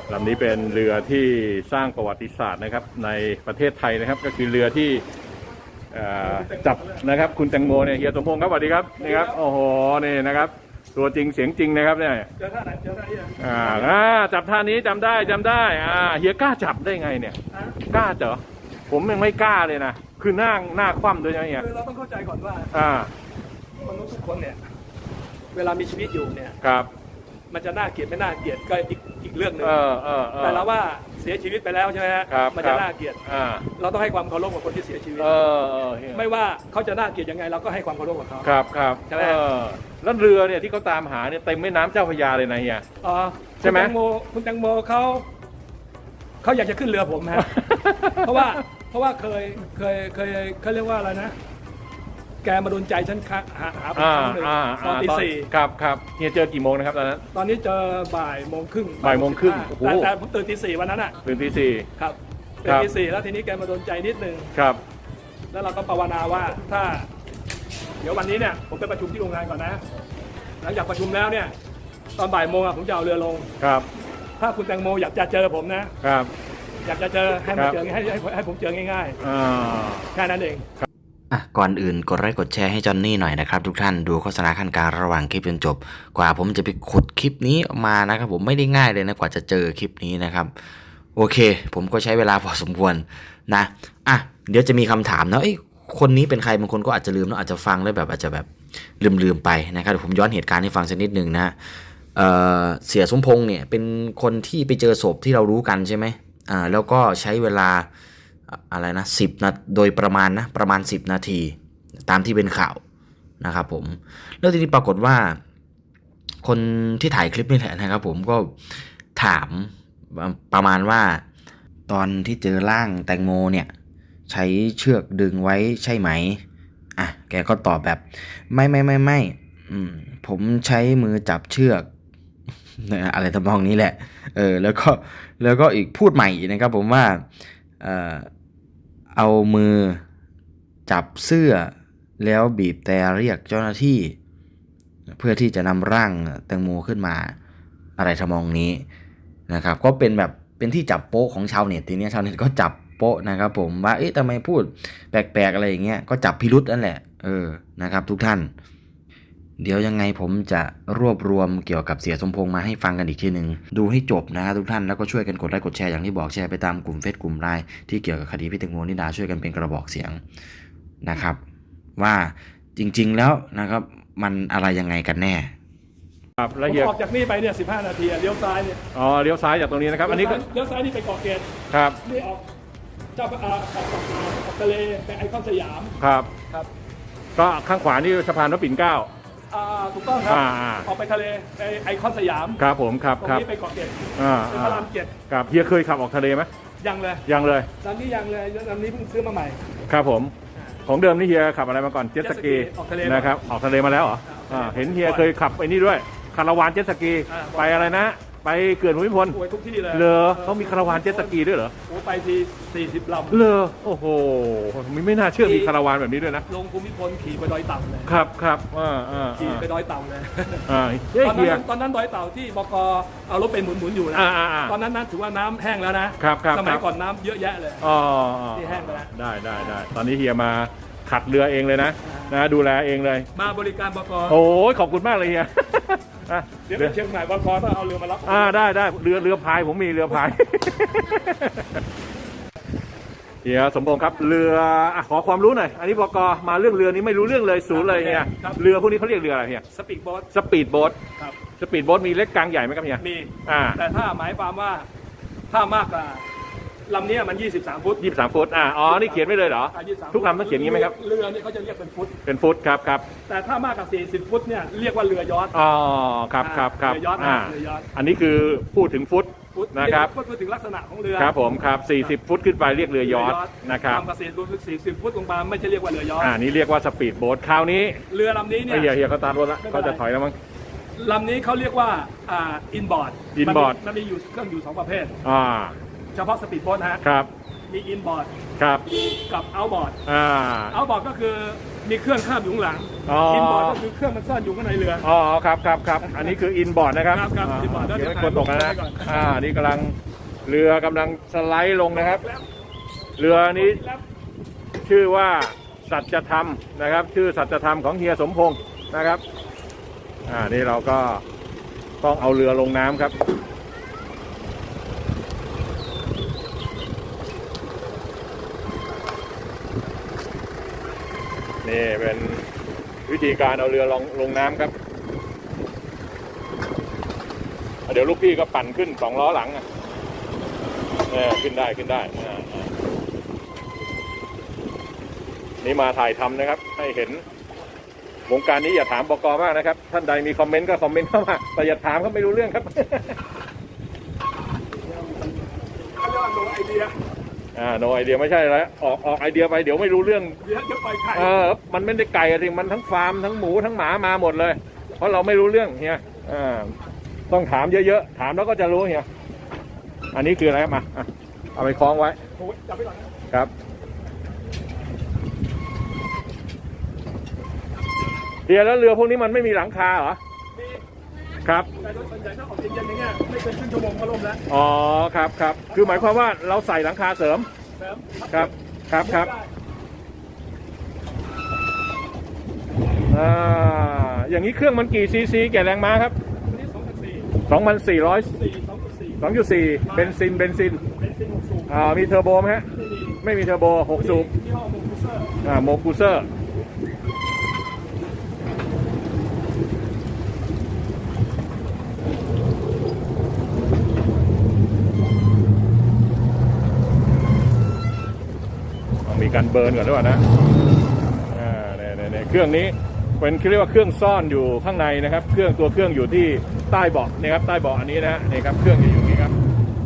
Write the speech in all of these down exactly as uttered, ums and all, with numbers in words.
ลำนี้เป็นเรือที่สร้างประวัติศาสตร์นะครับในประเทศไทยนะครับก็คือเรือที่จับนะครับคุณแตงโมเนี่ยเฮียสมพงษ์ครับสวัสดีครับนี่ครับโอ้โหนี่นะครับตัวจริงเสียงจริงนะครับเนี่ยเจอท่าไหนเจอท่านี้อ่าจับท่านี้จำได้จำได้อ่าเฮียกล้าจับได้ไงเนี่ยกล้าเจอผมยังไม่กล้าเลยนะคือหน้าหน้าคว่ำด้วยนะเฮียคือเราต้องเข้าใจก่อนว่าอ่ามนุษย์ทุกคนเนี่ยเวลามีชีวิตอยู่เนี่ยครับมันจะน่าเกลียดไม่น่าเกลียดก็อีกอีกเรื่องหนึ่งแต่เราว่าเสียชีวิตไปแล้วใช่ไหมฮะมันจะน่าเกลียดเราต้องให้ความเคารพกับคนที่เสียชีวิตไม่ว่าเขาจะน่าเกลียดยังไงเราก็ให้ความเคารพกับเขาครับครับใช่ไหมแล้วเรือเนี่ยที่เขาตามหาเนี่ยเต็มแม่น้ำเจ้าพระยาเลยนะเฮียอ๋อใช่ไหมคุณแตงโมคุณแตงโมเขาเขาอยากจะขึ้นเรือผมฮะเพราะว่าเพราะว่าเคยเคยเคยเขาเรียกว่าอะไรนะแกมาโดนใจฉันหาหาหาครั้งหนึ่งตอนตีสี่ครับครับเฮียเจอกี่โมงนะครับตอนนั้นตอนนี้เจอบ่ายโมงครึ่งบ่ายโมงครึ่งแต่แต่ผมตื่นตีสี่วันนั้นอ่ะตื่นตีสี่ครับตื่นตีสี่แล้วทีนี้แกมาโดนใจนิดนึงครับแล้วเราก็ภาวนาว่าถ้าเดี๋ยววันนี้เนี่ยผมไปประชุมที่โรงงานก่อนนะหลังจากประชุมแล้วเนี่ยตอนบ่ายโมงอ่ะผมจะเอาเรือลงครับถ้าคุณแตงโมอยากจะเจอผมนะครับอยากจะเจอให้มาเจอให้ให้ให้ผมเจอง่ายๆแค่นั้นเองอ่ะก่อนอื่นกดไลค์กดแชร์ให้จอนนี่หน่อยนะครับทุกท่านดูโฆษณาขั้นกลางระหว่างคลิปจนจบกว่าผมจะไปขุดคลิปนี้มานะครับผมไม่ได้ง่ายเลยนะกว่าจะเจอคลิปนี้นะครับโอเคผมก็ใช้เวลาพอสมควรนะอ่ะเดี๋ยวจะมีคำถามนะไอ้คนนี้เป็นใครบางคนก็อาจจะลืมแล้วอาจจะฟังแล้วแบบอาจจะแบบลืมๆไปนะครับเดี๋ยวผมย้อนเหตุการณ์ให้ฟังสักนิดนึงนะเอ่อเสียสมพงษ์เนี่ยเป็นคนที่ไปเจอศพที่เรารู้กันใช่ไหมอ่าแล้วก็ใช้เวลาอะไรนะสิบนาทีโดยประมาณนะประมาณสิบนาทีตามที่เป็นข่าวนะครับผมแล้วทีนี้ปรากฏว่าคนที่ถ่ายคลิปนี่แหละนะครับผมก็ถามประมาณว่าตอนที่เจอร่างแตงโมเนี่ยใช้เชือกดึงไว้ใช่ไหมอ่ะแกก็ตอบแบบไม่ไม่ไม่ไม่อืมผมใช้มือจับเชือกอะไรทำนองนี้แหละเออแล้วก็แล้วก็อีกพูดใหม่นะครับผมว่าเอ่อเอามือจับเสื้อแล้วบีบแต่เรียกเจ้าหน้าที่เพื่อที่จะนำร่างแตงโมขึ้นมาอะไรทำนองนี้นะครับก็เป็นแบบเป็นที่จับโป๊ะของชาวเน็ตทีนี้ชาวเน็ตก็จับโป๊ะนะครับผมว่าเอ๊ะทำไมพูดแปลกๆอะไรอย่างเงี้ยก็จับพิรุษนั่นแหละเออนะครับทุกท่านเดี๋ยวยังไงผมจะรวบรวมเกี่ยวกับเสียสมพงษ์มาให้ฟังกันอีกทีหนึ่งดูให้จบนะครับทุกท่านแล้วก็ช่วยกันกดไลค์กดแชร์อย่างที่บอกแชร์ไปตามกลุ่มเฟซกลุ่มไลน์ที่เกี่ยวกับคดีพี่แตงโมนิดาช่วยกันเป็นกระบอกเสียงนะครับว่าจริงๆแล้วนะครับมันอะไรยังไงกันแน่ครับแล้วออกจากนี่ไปเนี่ยสิบห้านาทีเลี้ยวซ้ายเนี่ยอ๋อเลี้ยวซ้ายจากตรงนี้นะครับอันนี้เลี้ยวซ้ายนี่ไปเกาะเกร็ดครับนี่ออกเจ้าออกออกทะเลไปไอคอนสยามครับครับก็ข้างขวานี่สะพานพระปิ่นเกล้าอ่าถูกต้องครับออกไปทะเลไปไอคอนสยามครับผมครับตรงนี้ไปเกาะเกร็ดอ่าเป็นพระรามเจ็ดครับเฮียเคยขับออกทะเลไหมยังเลยยังเลยลำนี้ยังเลยลำนี้เพิ่งซื้อมาใหม่ครับผมของเดิมนี่เฮียขับอะไรมาก่อนเจ็ตสกีนะครับออกทะเลมาแล้วเหรอเห็นเฮียเคยขับไอ้นี่ด้วยคาราวานเจ็ตสกีไปอะไรนะไปเขื่อนภูมิพลทุกที่เลยเลอเขามีคาราวานเจ็ตสกีด้วยเหรอโอ้ไปทีสี่สิบลำเลอโอ้โหไม่น่าเชื่อมีคาราวานแบบนี้ด้วยนะลงภูมิพลขี่ไปดอยเต่าเลยครับครับอ่าอ่าขี่ไปดอยเต่าเลยอ่าตอนนั้นตอนนั้นดอยเต่าที่บกเอารถไปหมุนๆอยู่นะตอนนั้นนั้นถือว่าน้ำแห้งแล้วนะครับสมัยก่อนน้ำเยอะแยะเลยอ๋อที่แห้งไปแล้วได้ได้ได้ตอนนี้เฮียมาขัดเรือเองเลยนะนะดูแลเองเลยมาบริการบกโอ้ยขอบคุณมากเลยเฮียเดี๋ยวเชียงใหม่บกต้องเอาเรือมารับอ่าได้ได้เรือเรือพายผมมีเรือพายเฮียสมพงษ์ครับเรือขอความรู้หน่อยอันนี้บกมาเรื่องเรือนี้ไม่รู้เรื่องเลยศูนย์เลยเฮียเรือพวกนี้เขาเรียกเรืออะไรเฮียสปีดโบ๊ทสปีดโบ๊ทครับสปีดโบ๊ทมีเล็กกลางใหญ่ไหมครับเฮียมีอ่าแต่ถ้าหมายความว่าถ้ามากกว่าลำนี้มันยี่สิบสามฟุตยี่สิบสามฟุตอ่าอ๋อนี่เขียนไว้เลยเหรอทุกลำต้องเขียนงี้ไหมครับเรือนี่เขาจะเรียกเป็นฟุตเป็นฟุตครับครับแต่ถ้ามากกว่าสี่สิบฟุตเนี่ยเรียกว่าเรือยอทอ๋อครับครับครับเรือยอทอ่าเรือยอทอันนี้คือพูดถึงฟุตนะครับพูดถึงลักษณะของเรือครับผมครับสี่สิบฟุตขึ้นไปเรียกเรือยอทนะครับความกระสีรู้สึกสี่สิบฟุตลงมาไม่ใช่เรียกว่าเรือยอทอ่านี่เรียกว่าสปีดโบ๊ทคราวนี้เรือลำนี้เนี่ยเฮียเฮียเขาตามรถแล้วเขาจะถอยแล้วมั้งลำนี้เขาเรียกว่าอ่าอินบอร์ดอินบอร์ดมันมีอยู่เครื่องอยู่สองประเภทอ่าเฉพาะสปีดโบ๊ทฮะครับมีอินบอร์ดครับกับเอาบอร์ดอ่าเอาบอร์ดก็คือมีเครื่องข้ามอยู่ข้างหลังอ๋ออินบอร์ดก็คือเครื่องมันซ่อนอยู่ข้างในเรืออ๋อครับครับครับอันนี้คืออินบอร์ดนะครับครับครับ inboard เดี๋ยวเดี๋ยวไม่ควรตกนะถ่ายรูปไว้ก่อนอ่านี่กำลังเรือกำลังสไลด์ลงนะครับ เรือนี้ชื่อว่าสัจธรรมนะครับ ชื่อสัจธรรมของเฮียสมพงศ์นะครับอ่านี่เราก็ต้องเอาเรือลงน้ำครับนี่เป็นวิธีการเอาเรือลงลงน้ำครับเดี๋ยวลูกพี่ก็ปั่นขึ้นสองล้อหลังอ่ะเนี่ยขึ้นได้ขึ้นได้อ่านี่มาถ่ายทำนะครับให้เห็นวงการนี้อย่าถามบก.มากนะครับท่านใดมีคอมเมนต์ก็คอมเมนต์เข้ามาแต่อย่าถามเขาไม่รู้เรื่องครับเขาเรียกว่าโนไอเดียอ่าโนไอเดียไม่ใช่แล้วออกออกไอเดียไปเดี๋ยวไม่รู้เรื่องเดี๋ยวจะปล่อยไข่เออมันไม่ได้ไก่อะสิมันทั้งฟาร์มทั้งหมูทั้งหมามาหมดเลย เพราะเราไม่รู้เรื่องเฮียอ่าต้องถามเยอะๆถามแล้วก็จะรู้เฮียอันนี้คืออะไรครับมาอ่ะเอาไปคล้องไว้โอ้ยจับไปก่อนนะครับเฮียแล้วเรือพวกนี้มันไม่มีหลังคาเหรอมีครับแต่โดยส่วนใหญ่ถ้าออกเย็นๆอย่างเงี้ยไม่เกินครึ่งชั่วโมงก็ล่มแล้วอ๋อครับครับคือหมายความว่าเราใส่หลังคาเสริมเสริมครับครับครับได้อ่าอย่างนี้เครื่องมันกี่ซีซีแก่แรงม้าครับอันนี้สองพันสี่สองพันสี่ร้อยสี่สองพันสี่สองจุดสี่เบนซินเบนซินเป็นซิงหกสูบอ่ามีเทอร์โบไหมฮะไม่มีไม่มีเทอร์โบหกสูบยี่ห้อโมกุเซอร์อ่าโมกูเซอร์มีการเบิร์นก่อนด้วยนะอ่าเนี่ยเนี่ยเนี่ยเครื่องนี้เป็นเรียกว่าเครื่องซ่อนอยู่ข้างในนะครับ เครื่องตัวเครื่องอยู่ที่ใต้เบาะนะครับใต้เบาะอันนี้นะฮะนี่ครับเครื่องจะอยู่อย่างนี้ครับ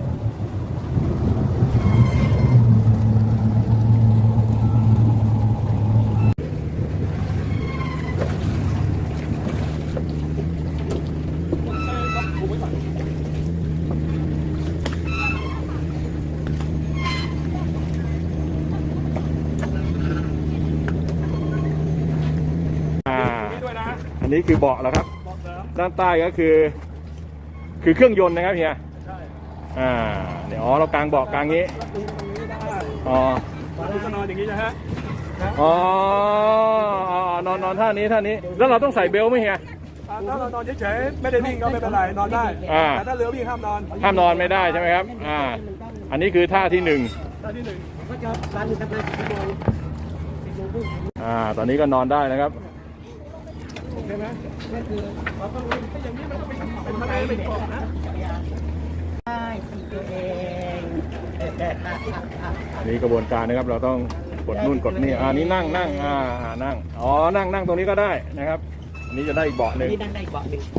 อ่านี่ด้วยนะอันนี้คือเบาะแล้วครับบอกเสริมด้านใต้ก็คือ คือเครื่องยนต์นะครับเฮียใช่อ่าเดี๋ยวอ๋อเรากางเบาะกางงี้แล้วดูตรงนี้ได้อ๋อดูก็นอนอย่างนี้นะฮะอ๋ออ๋อนอนนอนท่านี้ท่านี้ แล้วเราต้องใส่เบลต์ไหมเฮียอ่าถ้าเรานอนเฉยๆไม่ได้วิ่งก็ไม่เป็นไรนอนได้อ่าแต่ถ้าเรือวิ่งห้ามนอนห้ามนอนไม่ได้ใช่ไหมครับ อ่า อันนี้คือท่าที่หนึ่งท่าที่หนึ่งก็จะรันทำงานสิบโมงสิบโมงครึ่งอ่า ตอนนี้ก็นอนได้นะครับโอเคไหมนั่นคือเราต้องวิ่งถ้าอย่างนี้มันก็เป็นเป็นทะเลเป็นเกาะนะได้ที่ตัวเองอันนี้กระบวนการนะครับ เราต้องกดนู่นกดนี่ อ่านี่นั่งนั่งอ่าอ่านั่ง อ๋อ นั่งนั่งตรงนี้ก็ได้นะครับ อันนี้จะได้อีกเบาะหนึ่งนี่นั่งได้อีกเบาะหนึ่ง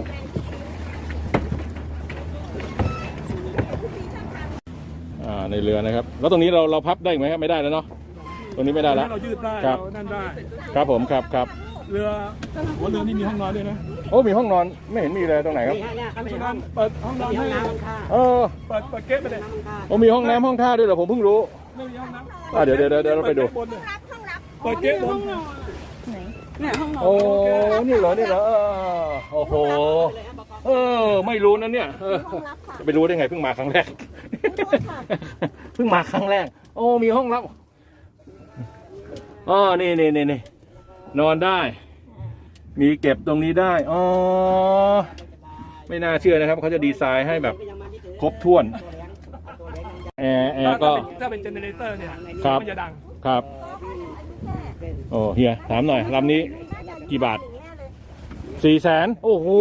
อ่า ในเรือนะครับ แล้วตรงนี้เราเราพับได้อีกไหมครับ ไม่ได้แล้วเนาะ ตรงนี้ไม่ได้แล้วเรายืดได้ครับเรานั่นได้ครับผม ครับครับเรือหัวเรือนี่มีห้องนอนด้วยนะโอ้ มีห้องนอน ไม่เห็นมีเลยตรงไหนครับนี่ฮะเนี่ยเขาไม่ฉะห้นั้อน งเปิดห้องนอนมีห้ให้องน้ำห้องท่าเออเปิดเปิดเก๊ะไปเลยห้องท่าโอ้มีห้องน้ำห้องท่าด้วยเหรอผมเพิ่งรู้ไม่มีห้องน้ำอ่ะเดี๋ยวเดี๋ยวเดี๋ยวเราไปดูเปิดเก๊ะบนเนี่ยห้องนอนโอ้ นี่เหรอ นี่เหรอเออโอ้โห เออ ไม่รู้นะเนี่ยเออจะไปรู้ได้ไงเพิ่งมาครั้งแรก เพิ่งมาครั้งแรก โอ้ มีห้องรับอ๋อนี่นี่นี่นี่นอนได้ มีเก็บตรงนี้ได้ อ๋อ ไม่น่าเชื่อนะครับ เขาจะดีไซน์ให้แบบครบถ้วน แอร์แอร์ก็ถ้าเป็นเจเนเรเตอร์เนี่ยครับมันจะดังครับ โอ้เฮียถามหน่อยลำนี้กี่บาทสี่แสนโอ้โห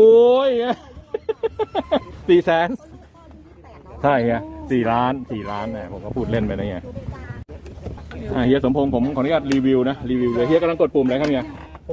สี่แสนใช่เฮียสี่ล้านสี่ล้านเนี่ยผมก็พูดเล่นไปนะเฮียอ่ะเฮียสมพงษ์ผมขออนุญาตรีวิวนะรีวิวเลยเฮียกำลังกดปุ่มอะไรครับเฮียผม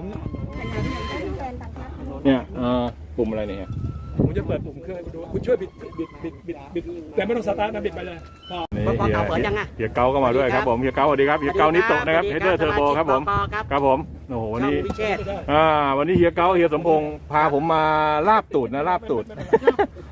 เนี่ยเอ่อปุ่มอะไรเนี่ยเฮียผมจะเปิดปุ่มเครื่องให้คุณดูคุณช่วยบิดบิดบิดบิดบิดแต่ไม่ต้องสตาร์ทนะบิดไปเลยพอนี่เฮียเฮียเกาก็มาด้วยครับผมเฮียเกาสวัสดีครับเฮียเกานิโตะนะครับเฮดเดอร์เทอร์โบครับผมครับผมโอ้โหวันนี้พิเชษอ่าวันนี้เฮียเกาเฮียสมพงษ์พาผมมาลาบตูดนะลาบตูด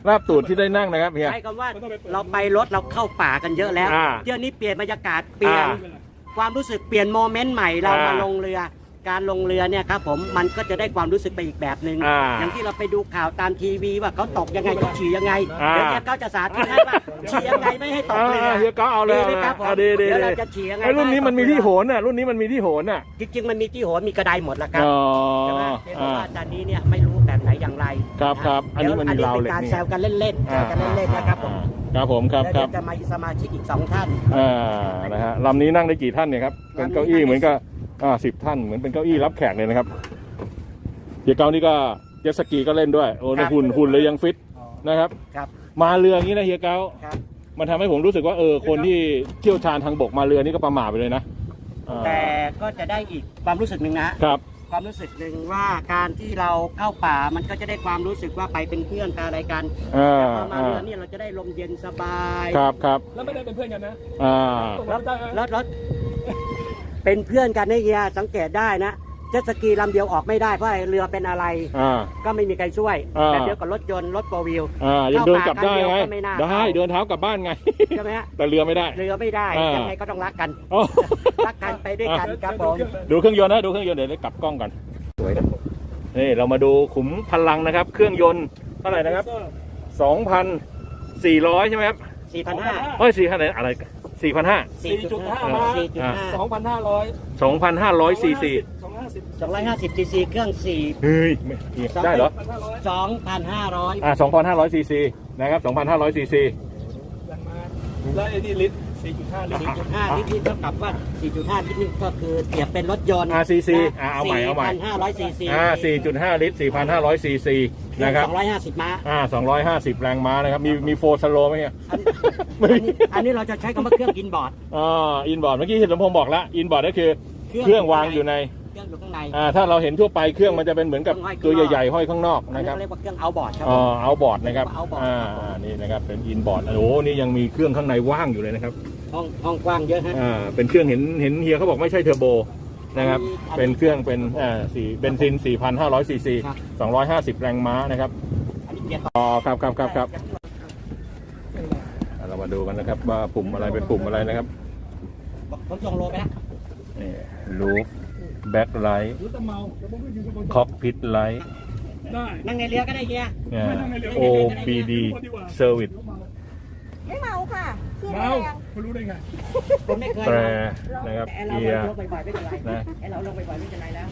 ลาบตูดที่ได้นั่งนะครับเฮียใช้คำว่าเราไปรถเราเข้าป่ากันเยอะแล้วอ่าเที่ยวนี้เปลี่ยนบรรยากาศเปลี่ยนอ่าความรู้สึกเปลี่ยนโมเมนต์ใหม่เราอ่ามมาลงเรือ การลงเรือเนี่ยครับผมมันก็จะได้ความรู้สึกไปอีกแบบหนึ่งอ่าอย่างที่เราไปดูข่าวตามทีวีว่าเขาตกยังไงเขาฉี่ยังไงอ่าเดี๋ยวเนี่ยเขาจะสาธิตให้ว่าฉี่ยังไงไม่ให้ตกเรืออ่าเฮียก็เอาเลยดีไหมครับผมอ่าดีดีเดี๋ยวเราดีจะฉี่ยังไงไอ้รุ่นนี้มันมีที่โหตกนน่ะรุ่นนี้มันมีที่โหนน่ะเรือจริงๆมันมีที่โหนมีกระไดหมดแล้วครับอ๋อใช่ไหมเพียงแต่อ่าว่าตอนนี้เนี่ยไม่รู้แบบไหนอย่างไรครับนะครับอันนี้มันมีดี๋ยวราวเหล็กเป็นการนี่แซวกันเล่นๆแซวกันเล่นๆนะครับผมอ่าครับผมครับแล้วคเดี๋รัยบวจะมาสมาชิกอีกสองท่านอ่านะฮะลำนี้นั่งได้กี่ท่านเนี่ยครับเป็นเก้าอี้เหมือนกับอ่าสิบท่านเหมือนเป็นเก้าอี้รับแขกเลยนะครับเฮียเก้านี่ก็เจ็ตสกีก็เล่นด้วยโอ้ในหุ่นหุ่นเลยยังฟิตนะครับครับมาเรืออย่างนี้นะเฮียเก้าครับมันทำให้ผมรู้สึกว่าเออคนที่เที่ยวชาญทางบกมาเรือนี่ก็ประหม่าไปเลยนะอ่าแต่ก็จะได้อีกความรู้สึกหนึ่งนะครับ ความรู้สึกหนึ่งว่าการที่เราเข้าป่ามันก็จะได้ความรู้สึกว่าไปเป็นเพื่อนกันอะไรกันอ่าพอมาอ่าเรือเนี่ยเราจะได้ลมเย็นสบายครับครับแล้วไม่ได้เป็นเพื่อนกันนะอ่าแล้วแล้วแล้วเป็นเพื่อนกันนะเฮียสังเกตได้นะเจ็ตสกีลำเดียวออกไม่ได้เพราะไอ้เรือเป็นอะไรอ่าก็ไม่มีใครช่วยอ่าแบบเดียวกับรถยนต์รถโฟร์วิวอ่ายังเดินกลับได้ไงเข้าป่ากันเดียวก็ไม่น่าได้เข้าเดินเท้ากลับบ้านไงใช่ไหมฮะแต่เรือไม่ได้เรือไม่ได้อ่ายัยังไงก็ต้องรักกันอ๋อรักกันไปด้วยกันครับผมดูเครื่องยนต์นะดูเครื่องยนต์เดี๋ยวได้กลับกล้องกันสวยนะนี่เรามาดูขุมพลังนะครับ เครื่องยนต์เท่าไหร่นะครับ สองพันสี่ร้อยใช่ไหมครับสี่พันห้าเอ้ยสี่พันอะไรสี่พันห้าสี่จุดห้ามาสี่จุดห้าสองพันห้าร้อยสองพันห้าร้อยซีซีสองห้าสิบสองร้อยห้าสิบซีซีเครื่องสี่เฮ้ยไม่ได้เหรอพันห้าร้อยสองพันห้าร้อยอ่าสองพันห้าร้อยซีซีนะครับสองพันห้าร้อยซีซีอย่างมาแล้วไอ้นี่ลิตรสี่จุดห้าลิตรสี่จุดห้าลิตรนี่เท่ากับว่าสี่จุดห้าลิตรนี่ก็คือเปรียบเป็นรถยนต์อ่าซีซีอ่าเอาใหม่เอาใหม่สี่พันห้าร้อยซีซีอ่าสี่จุดห้าลิตรสี่พันห้าร้อยซีซีนะครับสองร้อยห้าสิบม้าอ่าสองร้อยห้าสิบแรงม้านะครับมีมีโฟร์สโลไหมเนี่ยอันนี้อันนี้เราจะใช้คำว่าเครื่องกินบอร์ดอ่าอินบอร์ดเมื่อกี้เห็นสมพงษ์บอกแล้วอินบอร์ดก็คือเครื่องวางอยู่ในเครื่องอยู่ข้างในอ่าถ้าเราเห็นทั่วไปเครื่องมันจะเป็นเหมือนกับตัวใหญ่ๆห้อยข้างนอกอันนี้นะครับเขาเรียกว่าเครื่องเอาบอร์ดครับอ๋อเอาบอร์ดนะครับเอาบอร์ดอ่านี่นะครับเป็นอินบอร์ดโอ้โหนี่ยังมีเครื่องข้างในว่างอยู่เลยนะครับห้องห้องกว้างเยอะฮะอ่าเป็นเครื่องเห็นเห็นเฮียเขาบอกไม่ใช่เทอร์โบนะครับอันนี้เป็นเครื่องเป็นอ่าสี่เบนซิน สี่พันห้าร้อยซีซีครับสองร้อยห้าสิบแรงม้านะครับอันนี้เกียร์ต่ออ๋อครับครับครับครับอ่าเรามาดูกันนะครับว่าปุ่มอะไรเป็นปุ่มอะไรนะครับผมส่งโลไปแล้วนี่ลูฟแบ็คไลท์รู้แต่เมาแต่ผมก็อยู่บนคอกพิทไลท์ได้นั่งในเรือก็ได้เฮียโอ บี ดี Service ไม่เมาค่ะขี้เมาแรงคุณรู้ได้ไงผมไม่เคยแตรเมานะครับแต่เราเกียร์ลงบ่อยๆไม่เป็นไรนะไอเราลงบ่อยๆไม่เป็นไรแล้ว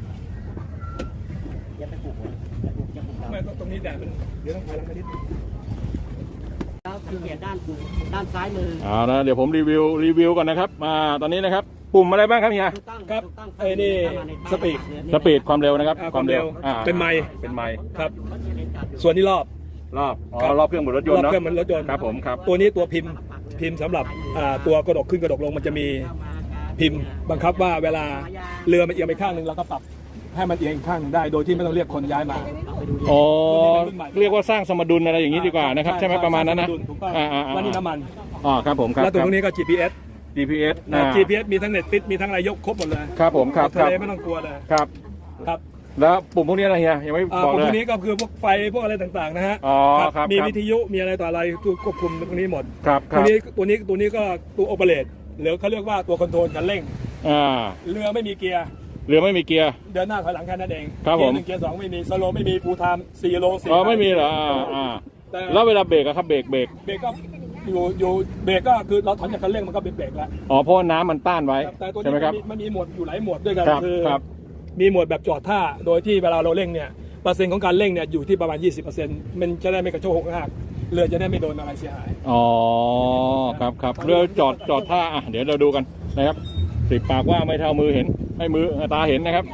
อย่าไปปลุกหัวอย่าปลุกอย่าปลุกเราไม่ตรงนี้แดดมันเดี๋ยวต้องถอยหลังกันนิดนึงแล้วสังเกตด้านด้านซ้ายมือเอานะเดี๋ยวผมรีวิวรีวิวก่อนนะครับมาตอนนี้นะครับปุ่มอะไรบ้างครับเฮียถูกต้องครับถูกต้องไอ้นี่สปีดสปีดความเร็วนะครับอ่าความเร็วอ่าเป็นไมค์เป็นไมค์ครับ ส่วนนี้รอบรอบอ๋อครับรอบเครื่องบนรถยรนอบต์เนาะเครื่องมันรถยนต์ครับผมครับตัวนี้ตัวพิมพ์พิมพ์สำหรับอ่าตัวกระดกขึ้นกระดกลงมันจะมีพิมพ์บังคับว่าเวลาเรือมันเอียงไปข้างหนึ่งเราก็ปรับให้มันเอียงอีกข้างหนึ่งได้ โดยที่ไม่ต้องเรียกคนย้ายมาอ๋อเรียกว่าสร้างสมดุลอะไรอย่างนี้ดีกว่านะครับใช่ไหมประมาณนั้นนะถูกต้องอ่าอ่าอ่าแล้วนี่น้ำมันอ๋อครับผมครับแล้วตัวนี้ก็ จี พี เอสจี พี เอสนะ จี พี เอส มีทั้งเน็ตฟิตมีทั้งอะไรยกครบหมดเลยครับผมครับทะครับเลไม่ต้องกลัวเลยครับครับแล้วปุ่มพวกนี้อะไรเฮียยังไม่อ่าบอกพวเลกยนี้ก็คือพวกไฟพวกอะไรต่างๆนะฮะอ๋อครับครับมีครับวิทยุมีอะไรต่ออะไรตัวควบคุมตรงนี้หมดครับคตัรัวบนี้ตัวนี้ตัวนี้ก็ตัวโอเปเรตหรือเขาเรียกว่าตัวคอนโทรลคันเร่งอ่าเรือไม่มีเกียร์เรือไม่มีเกียร์เดินหน้าถอยหลังแค่นั้นเองครับเกียผมร์หนึ่งเกียร์สองไม่มีสโลไม่มีฟูลไทม์สี่โลสี่อ๋อไม่มีเหรออ่าอ่าแต่แล้วเวลาเบรกอะครับเบรกเบรกเบรกก็อยู่อยู่เบรกก็คือเราถอนจากคันเร่งมันก็เป็นเบรกแล้วอ๋อเพราะว่าน้ำมันต้านไว้ครับแต่ตัวใช่นี้ไหมครับมันมีมันมีหมวดอยู่หลายหมวดด้วยกันครับคือครับมีหมวดแบบจอดท่าโดยที่เวลาเราเร่งเนี่ยเปอร์เซ็นต์ของการเร่งเนี่ยอยู่ที่ประมาณ ยี่สิบเปอร์เซ็นต์ มันจะได้ไม่กระโชกหักเรือจะได้ไม่โดนอะไรเสียหายอ๋อครับครับเรือจอดจอดท่าอ่ะเดี๋ยวเราดูกันนะครับสิบปากว่าไม่เท่ามือเห็นให้มือตาเห็นนะครับ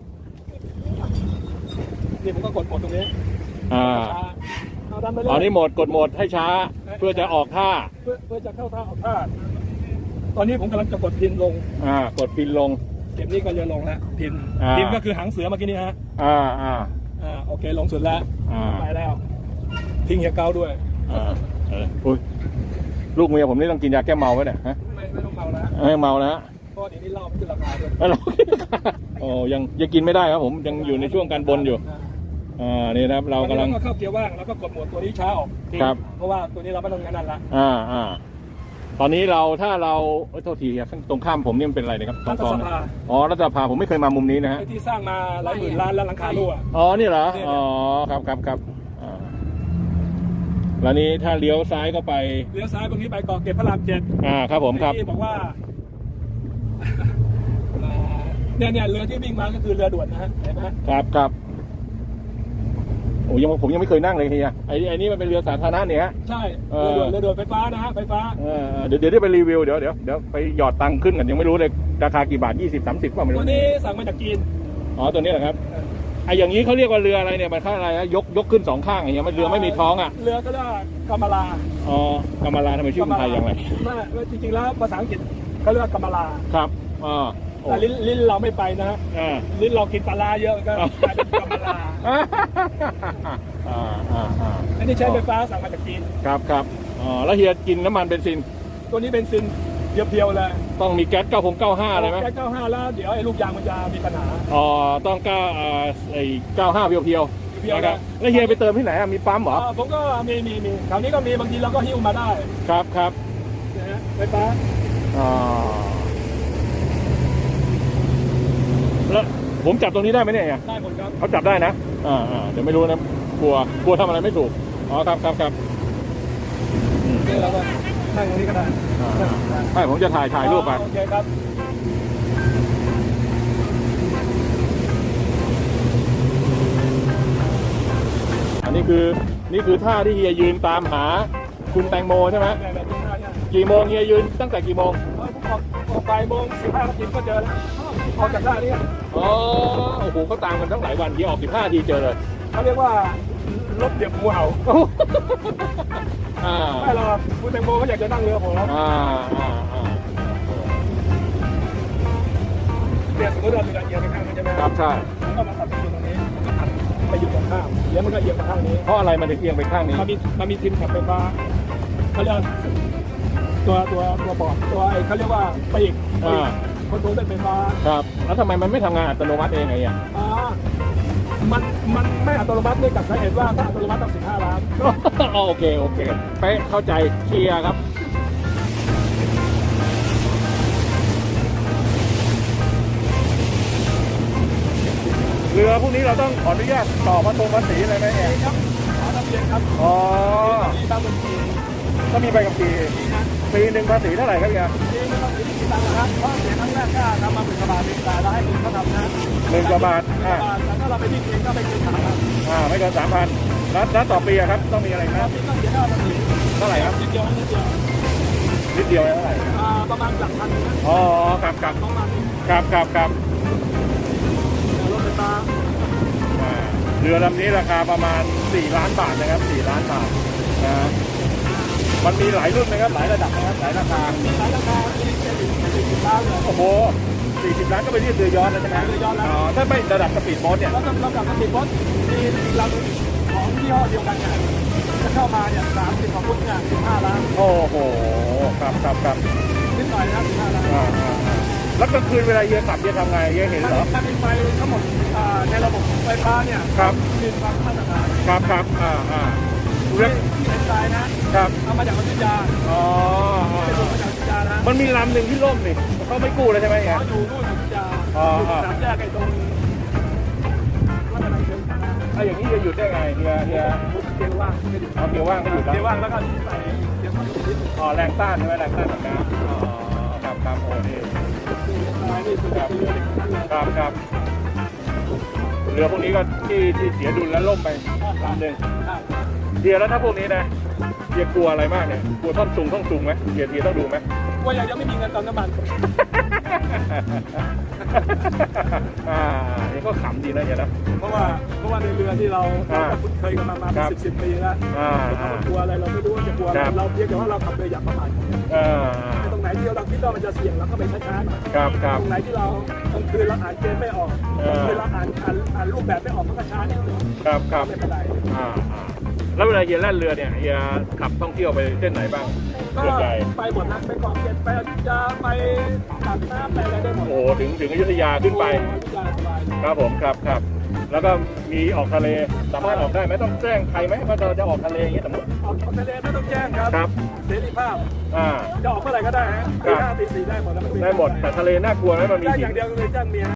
นี่ผมก็กดกดตรงนี้อ่าเอาดันไปเลยอ๋อนี่โหมดกดโหมดให้ช้าเพื่อจะออกท่าเพื่อเพื่อจะเข้าท่าออกท่าตอนนี้ผมกำลังจะกดพินลงอ่ากดพินลงเก็บนี้ก็เรือลงแล้วพินอ่าพินก็คือหางเสือเมื่อกี้นี้ฮะอ่าอ่าอ่าโอเคลงสุดแล้วอ่าไปแล้วทิ้งเฮียเก้าด้วยอ่าเอออุ้ยลูกเมียผมนี่ต้องกินยาแก้เมาไว้เนี่ยฮะไม่ไม่ต้องเมาแล้วให้เมานะฮะเพราะเดี๋ยวนี้เหล้ามันขึ้นราคาด้วยแล้วเรา โอ้ยังยังกินไม่ได้ครับผมยังอยู่ในช่วงการบนอยู่อ่านี่นะครับเรากำลังตอนนี้เราก็เข้าเกียร์ว่างแล้วก็กดโหมดตัวนี้ช้าออกทิ้งครับเพราะว่าตัวนี้เราไม่ต้องงานนั่นละอ่าอ่าตอนนี้เราถ้าเราเอ้ยโทษทีครับตรงข้ามผมนี่มันเป็นอะไรนะครับตรรังฐกองสภาอ๋อรัฐสภาผมไม่เคยมามุมนี้นะฮะไอ้ที่สร้างมาหลายหมื่นล้านแล้วหลังคารั่วอ๋อนี่เหรอเนี่ยอ๋อครับครับครับอ่าแล้วนี้ถ้าเลี้ยวซ้ายเข้าไปเลี้ยวซ้ายตรงนี้ไปเกาะเกร็ดพระรามเจ็ดอ่าครับผมครับที่บอกว่า อ่าเนี่ยเนี่ยเรือที่วิ่งมาก็คือเรือด่วนนะฮะเห็นไหมฮะครับครับโอ้ยังผมยังไม่เคยนั่งเลยเฮียไอ้ไอ้นี่มันเป็นเรือสาธารณะเนี่ยฮะใช่เอเรืออด่วนเรือด่วนไฟฟ้านะฮะไฟฟ้าเออเดี๋ยวเดี๋ยวได้ไปรีวิวเดี๋ยวเดี๋ยวเดี๋ยวไปหยอดตังค์ขึ้นกันยังไม่รู้เลยราคากี่บาทยี่สิบสามสิบก็ไม่ตัรู้วนี้สั่งมาจากจีนอ๋อตัวนี้เหรอครับไอ้อย่างนี้เขาเรียกว่าเรืออะไรเนี่ยมันค่าอะไรนะยกยกขึ้นสองข้างอย่างเงี้ยมันเรือไม่มีท้องอ่ะเรือก็เรียกว่ากำมะลาอ๋อกำมะลาทำไมชื่อคนไทยอย่างไรไม่จริงๆแล้วภาษาอังกฤษเขาเรียกว่ากำมะลาครับอ๋อโอ้แต่ลิ้นลิ้นเราไม่ไปนะฮะอ่าลิ้นเรากินปลาร้าเยอะก็กลายเป็นกำมะลาอ่าอ่าอ่าอันนี้ใช้ไฟฟ้าสั่งมาจากจีนครับครับอ๋อแล้วเฮียกินน้ำมันเบนซินตัวนี้เป็นซินเพียวๆเลยต้องมีแก๊สเก้าหกเก้าห้าเลยไหมแค่เก้าห้าแล้วเดี๋ยวไอ้ลูกยางมันจะมีปัญหาอ๋อต้องเก้าอ่าไอ้เก้าห้าเพียวเพียวๆเพียวๆนะครับนะแล้วเฮียไปเติมที่ไหนอะมีปั๊มเหรออ่าผมก็มีมีมีแถวนี้ก็มีบางทีเราก็หิ้วมาได้ครับครับนะฮะไฟฟ้าอ๋อแล้วผมจับตรงนี้ได้ไหมเนี่ยเฮียได้หมดครับเขาจับได้นะ อ่าอ่าเดี๋ยวไม่รู้นะ กลัว กลัวทำอะไรไม่ถูก อ๋อ ครับครับครับอืมนี่เราก็นั่งตรงนี้ก็ได้อ่าอ่าไม่ผมจะถ่ายถ่ายรูปไปโอเคครับอันนี้คือ นี่คือท่าที่เฮียยืนตามหาคุณแตงโมใช่ไหมแบบแบบนี้ได้เนี่ยกี่โมงเฮียยืนตั้งแต่กี่โมงเออผมออกออกบ่ายโมงสิบห้านาทีก็เจอแล้วออกจากท่านี้อ๋อ โอ้โหเขาตามกันตั้งหลายวันเฮียออกสิบห้าทีเจอเลยเขาเรียกว่ารถเดี่ยวงูเห่าอ่าไม่หรอกคุณแตงโมเขาอยากจะนั่งเรือผมอ่าอ่าอ่าเนี่ยสมมติเราเรือเอียงไปข้างนี้ใช่ไหมครับใช่ก็มาตัดอยู่ตรงนี้ก็ตัดไปอยู่ตรงข้ามเดี๋ยวมันก็เอียงมาข้างนี้เพราะอะไรมันถึงเอียงไปข้างนี้มันมีมันมีทิมขับไฟฟ้าเขาเรียกตัวตัวตัวบอร์ดตัวไอ้เขาเรียกว่าปีกอ่าคอนโทรลด้วยไฟฟ้าครับ แล้วทำไมมันไม่ทำงานอัตโนมัติเองไงอ่ะอ่ามันมันไม่อัตโนมัติเนื่องจากสาเหตุว่าถ้าอัตโนมัติต้องสิบห้าล้านอ๋อโอเค โอเค เป๊ะเข้าใจเคลียร์ครับ เรือพวกนี้เราต้องขออนุญาตต่อมาตรงภาษีอะไรไหมเนี่ยครับขอทะเบียนครับอ๋อมีตามบัญชีก็มีใบกับปีปีหนึ่งภาษีเท่าไหร่ครับเนี่ยมีไม่ต้องมีตังค์นะครับเพราะเสียครั้งแรกก็ทำมาหมื่นกว่าบาทเองแต่เราให้คุณเขาทำนะหมื่นกว่าบาทหมื่นกอ่าว่าบาทแต่ถ้าเราไปที่เองก็ไม่เกินสามพันอ่าไม่เกินสามพันแล้วแล้วต่อปีอะครับ ต้องมีอะไรคครัรับบ ที่ต้องเสียค่าภาษีเท่าไหร่ครับนิดเดียวนิดเดียวนิดเดียวเท่าไหร่อ่าประมาณหลักพันนะอ๋อครับครับประมาณนี้ครับครับครับรถไฟฟ้าอ่าเรือลำนี้ราคาประมาณสี่ล้านบาทนะครับสี่ล้านบาทนะ มันมีหลายรุ่นนะครับ หลายระดับนะครับ หลายราคามีหลายราคามีเป็นสี่สิบล้านเลยโอ้โหสี่สิบล้านก็ไปเรียกเรือยอชต์แล้วใช่ไหมเรือยอชต์แล้วอ๋อถ้าไม่ระดับสปีดโบ๊ทเนี่ยแล้วก็เรากลับมาติดรถมีอีกลำของยี่ห้อเดียวกันเนี่ยจะเข้ามาเนี่ยสามสิบกว่าฟุตเนี่ยสิบห้าล้านโอ้โห ครับครับครับนิดหน่อยนะสิบห้าล้านอ่าอ่าอ่าแล้วกลางคืนเวลาเฮียขับเฮียทำไงเฮียเห็นถ้าเหรอถ้าเป็นไฟทั้งหมดอ่าในระบบไฟฟ้าเนี่ยครับมีความมาตรฐานครับครับอ่าอ่าที่เรื่องที่เห็นใจนะครับ เอามาจากอยุธยาอ๋ออ๋อเป็นอ๋มาอจากอยุธยานะมันมีลำหนึ่งที่ล่มนี่เขาไม่กู้เลยใช่ไหมเฮียเขาอยู่นู่นอยุธยาอ๋ออยู่สามแยกไอ้ตรงวัดอะไรเชียงคานถ้าอย่างนี้จะหยุดได้ไงเฮียเฮียเกียร์ว่างไม่หยุดเอาเกียร์ว่างก็หยุดแล้วเกียร์ว่างแล้วก็ใส่เกียร์ว่างนิดอ๋อแรงต้านใช่ไหมแรงต้านแบบน้ำอ๋อครับครับโอ้นี่นี่คือแบบเรือเล็กนั่นเลยครับครับเรือพวกนี้ก็ที่ที่เสียดุลแล้วล่มไปลำหนึ่งเดียแล้วถ้าพวกนี้นะเดียกลัวอะไรมากเนี่ยกลัวท่อนซุงท่อนซุงไหมเดียเดียต้องดูไหมว่ายังยังไม่มีเงินเติมน้ำมันอ่านี่ก็ขำดีนะเฮียนะเพราะว่าเพราะว่าในเรือที่เราอ่าเราคุ้นเคยกันมามาคเป็รันบสิบสิบปีแล้วอ่าเราอ่ากลัวอะไรเราไม่รู้ว่าจะกลัวอะไรครับเราเพียงแต่ว่าเราขับเรืออย่างประมาทอ่าตรงไหนที่เราคิดว่ามันจะเสี่ยงเราก็ไปช้าๆหน่อยครับครับตรงไหนที่เรากลางคืนเราอ่านเกมไม่ออกเออกลางคืนเราอ่านอ่านอ่านรูปแบบไม่ออกมันก็ช้านิดนึงครับครับไม่เป็นไรอ่าอ่าแล้วเวลาเฮียแล่นเรือเนี่ยเฮียขับท่องเที่ยวไปเส้นไหนบ้างก็ส่วนใหญ่ไปหมดนะไปเกาะเกร็ดไปอยุธยาไปปากน้ำไปอะไรได้หมดโอ้โหถึงถึงอยุธยาขึ้นไปอยุธยาสบายคครับผมครับครับแล้วก็มีออกทะเลสามารถออกได้ไหมต้องแจ้งใครไหมว่าเราจะออกทะเลอย่างนี้สมมติออกทะเลไม่ต้องแจ้งครับครับเสรีภาพอ่าจะออกเมื่อไหร่ก็ได้ฮะครัตีบห้าตีสี่ได้หมดแล้วนได้หมดแต่ทะเลน่ากลัวไหมมันมีได้หิอน ย่างเดียวก็คือจ้างเมีย